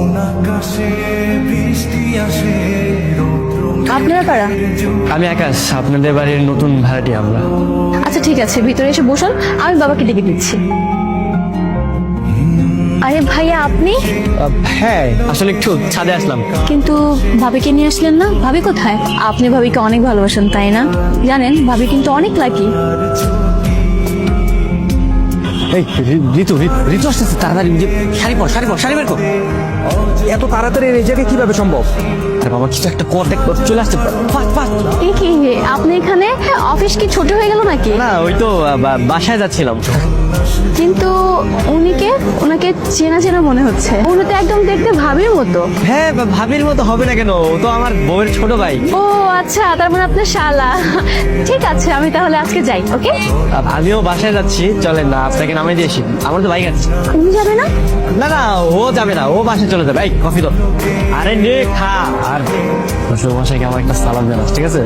আপনারা কারা? আমি আকাশ, আপনাদের বাড়ির নতুন ভাড়াটি আমরা। আচ্ছা ঠিক আছে, ভিতরে এসে বসুন, আমি বাবাকে ডেকে দিচ্ছি। আরে ভাইয়া আপনি? হ্যাঁ, আসলে একটু ছাদে আসলাম। কিন্তু ভাবিকে নিয়ে আসলেন না? ভাবি কোথায়? আপনি ভাবিকে অনেক ভালোবাসেন তাই না? জানেন ভাবি কিন্তু অনেক লাকি। এই ঋতু ঋতু আসতেছে, তাড়াতাড়ি শাড়ি পর শাড়ি বের কর। এত তাড়াতাড়ি এই জায়গায় কিভাবে সম্ভব? আরে বাবা, কিছু একটা কর, দেখ চলে আসছে। এই কি আপনি এখানে? অফিস কি ছোট হয়ে গেল নাকি? না, ওই তো বাসায় যাচ্ছিলাম। কিন্তু ওনাকে চেনা চেনা মনে হচ্ছে। উনি তো একদম দেখতে ভাবির মতো। হ্যাঁ, ভাবির মতো হবে না কেন? ও তো আমার বউয়ের ছোট ভাই। ও আচ্ছা, তার মানে আপনার শালা। ঠিক আছে, আমি তাহলে আজকে যাই। ওকে, আমিও বাসায় যাচ্ছি, চলেন না আপনাকে নামে দিয়ে আসি। আমার তো বাইক আছে। উনি যাবে না? না, ও যাবে না, ও বাসায় চলে যাবে। এই কফি তো। আরে নে খা। আর বাসায় আমার একটা সালাম জানাস, ঠিক আছে?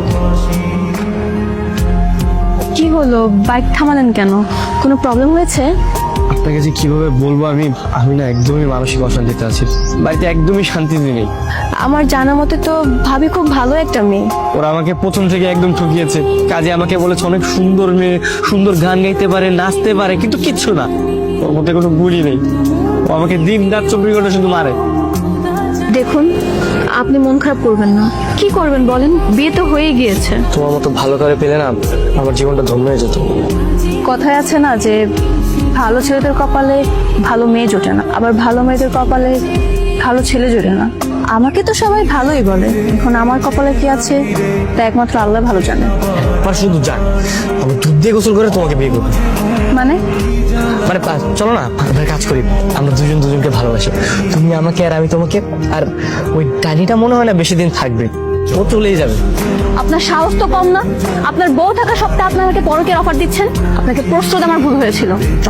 কি হলো, বাইক থামালেন কেন? কোনো প্রবলেম হয়েছে? আপনাকে যে কিভাবে বলবো, আমি না একদমই মানসিক অশান্তিতে আছি। বাড়িতে একদমই শান্তিতে নেই। আমার জানা মতে তো ভাবি খুব ভালো একটা মেয়ে। ওরা আমাকে প্রথম থেকে একদম ঠকিয়েছে। কাজে আমাকে বলেছে অনেক সুন্দর মেয়ে, সুন্দর গান গাইতে পারে, নাচতে পারে, কিন্তু কিচ্ছু না। ওর মধ্যে কোনো গুণই নেই। ও আমাকে দিন রাত 24 ঘন্টা শুধু মারে। দেখুন, আপনি মন খারাপ করবেন না। কি করবেন বলেন? বিয়ে তো হয়ে গিয়েছে। তোমার মতো ভালো করে পেলে না আমার জীবনটা ধন্য হয়ে যেত। কথায় আছে না যে ভালো ছেলেদের কপালে ভালো মেয়ে জোটে না, আবার ভালো মেয়েদের কপালে ভালো ছেলে জোটে না। আমাকে তো সবাই ভালোই বলে, এখন আমার কপালে কি আছে তা একমাত্র আল্লাহ ভালো জানে। আমার শুধু যাক, আমি দুধ দিয়ে গোসল করে তোমাকে বিয়ে করবো। মানে চলো না, আমরা কাজ করি। আমরা দুজন দুজনকে ভালোবাসি, তুমি আমাকে আর আমি তোমাকে। আর ওই ডালিটা মনে হয় না বেশি দিন থাকবে, ও চলেই যাবে। আপনার সাহস তো কম না। আপনার বউ থাকা সত্ত্বেও আপনি আমাকে পরকের অফার দিচ্ছেন। আপনাকে প্রস্তুত আমার ভুল হয়েছিল।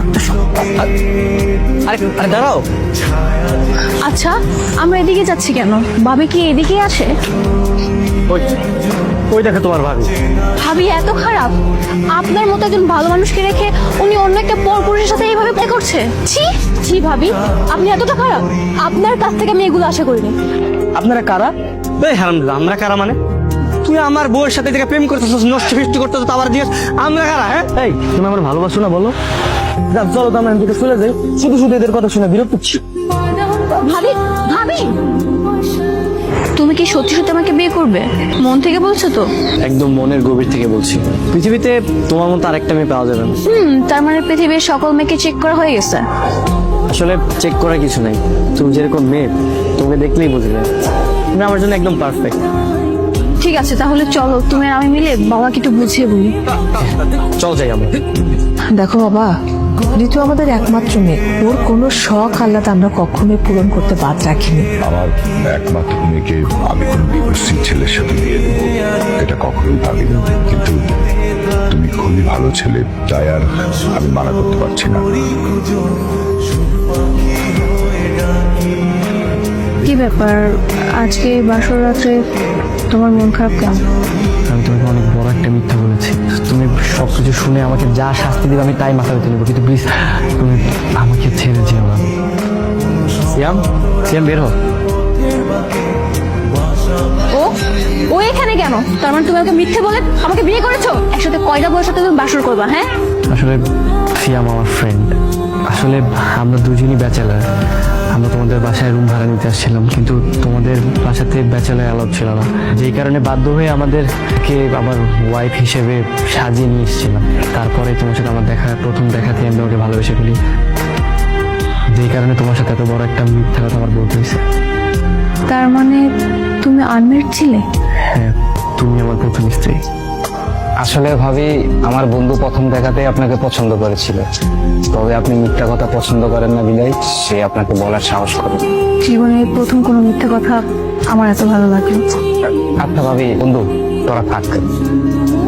আরে দাঁড়াও। আচ্ছা, আমরা এদিকে যাচ্ছি কেন? ভাবি কি এদিকে আসে? ওই দেখো তোমার ভাবি। ভাবি এত খারাপ? আপনার মতো একজন ভালো মানুষকে রেখে উনি অন্য একটা পরপুরুষের সাথে এইভাবে প্লে করছে। ছি ছি ভাবি, আপনি এতটা খারাপ? আপনার কাছ থেকে আমি এগুলো আশা করিনি। আপনারা কারা? হারামজাদা, আমরা কারা মানে? তুই আমার বউয়ের সাথে থেকে প্রেম করতেছিস, নষ্ট ফিষ্ট করতেছিস, আবার দিয়ে আমরা কারা? হ্যাঁ, এই তুমি আমার ভালোবাসো না বলো? চলো তো আমরা এদিকে চলে যাই। শুধু শুধু এদের কথা শুনে বিরক্ত হচ্ছি। ভাবি ভাবি, তুমি কি সত্যি সত্যি আমাকে বিয়ে করবে? মন থেকে বলছো তো? একদম মনের গভীর থেকে বলছি। পৃথিবীতে তোমার মতো আরেকটা মেয়ে পাওয়া যাবে না। তার মানে পৃথিবীর সকল মেয়েকে চেক করা হয়ে গেছে? আসলে চেক করার কিছু নাই, তুমি যেরকম মেয়ে তোমাকে দেখলেই বুঝবে তুমি আমার জন্য একদম পারফেক্ট। ঠিক আছে, তাহলে চলো তুমি আর আমি মিলে বাবাকে একটু বুঝিয়ে বলি। চল যাই আমরা। দেখো বাবা, ঋতু আমাদের একমাত্র মেয়ে। ওর কোনো শখ আহ্লাদ আমরা কখনোই পূরণ করতে বাদ রাখিনি। আমার একমাত্র মেয়েকে আমি কোনো বিবস্ত্রী ছেলের সাথে বিয়ে দেব এটা কখনোই ভাবিনি, কিন্তু তুমি খুবই ভালো ছেলে, তাই আর আমি মানা করতে পারছি না। কি ব্যাপার, আজকে বাসর রাত্রে তোমার মন খারাপ কেন? আমি তোমাকে অনেক বড় একটা মিথ্যা বলেছি। তুমি সবকিছু শুনে আমাকে যা শাস্তি দিবে আমি তাই মাথা পেতে নেবো, কিন্তু প্লিজ তুমি আমাকে ছেড়ে যেও না। সিয়াম বের হো। ও এখানে কেন? তার মানে তুমি আমাকে মিথ্যে বলে আমাকে বিয়ে করেছো? একসাথে কয়টা বউয়ের সাথে তুমি বাসর করবা? হ্যাঁ, আসলে সিয়াম আমার ফ্রেন্ড। আসলে আমরা দুজনই ব্যাচেলার। আমরা তোমাদের বাসায় রুম ভাড়া নিতে আসছিলাম, কিন্তু তোমাদের বাসাতে ব্যাচেলার অ্যালাউড ছিল না, যেই কারণে বাধ্য হয়ে আমাদেরকে আমার ওয়াইফ হিসেবে সাজিয়ে নিয়ে এসেছিলাম। তারপরে তোমার সাথে আমার প্রথম দেখাতে আমি তোমাকে ভালোবেসে ফেলি, যেই কারণে তোমার সাথে এত বড় একটা মিথ্যা কথা আমার বলতে হয়েছে। তার মানে তুমি আনমেরিড ছিলে? হ্যাঁ, তুমি আমার প্রথম স্ত্রী। আসলে ভাবি, আমার বন্ধু প্রথম দেখাতেই আপনাকে পছন্দ করেছিল, তবে আপনি মিথ্যা কথা পছন্দ করেন না বিদায় সে আপনাকে বলার সাহস করে। জীবনে প্রথম কোনো মিথ্যা কথা আমার এত ভালো লাগলো। আচ্ছা ভাবি, বন্ধু তোরা থাক।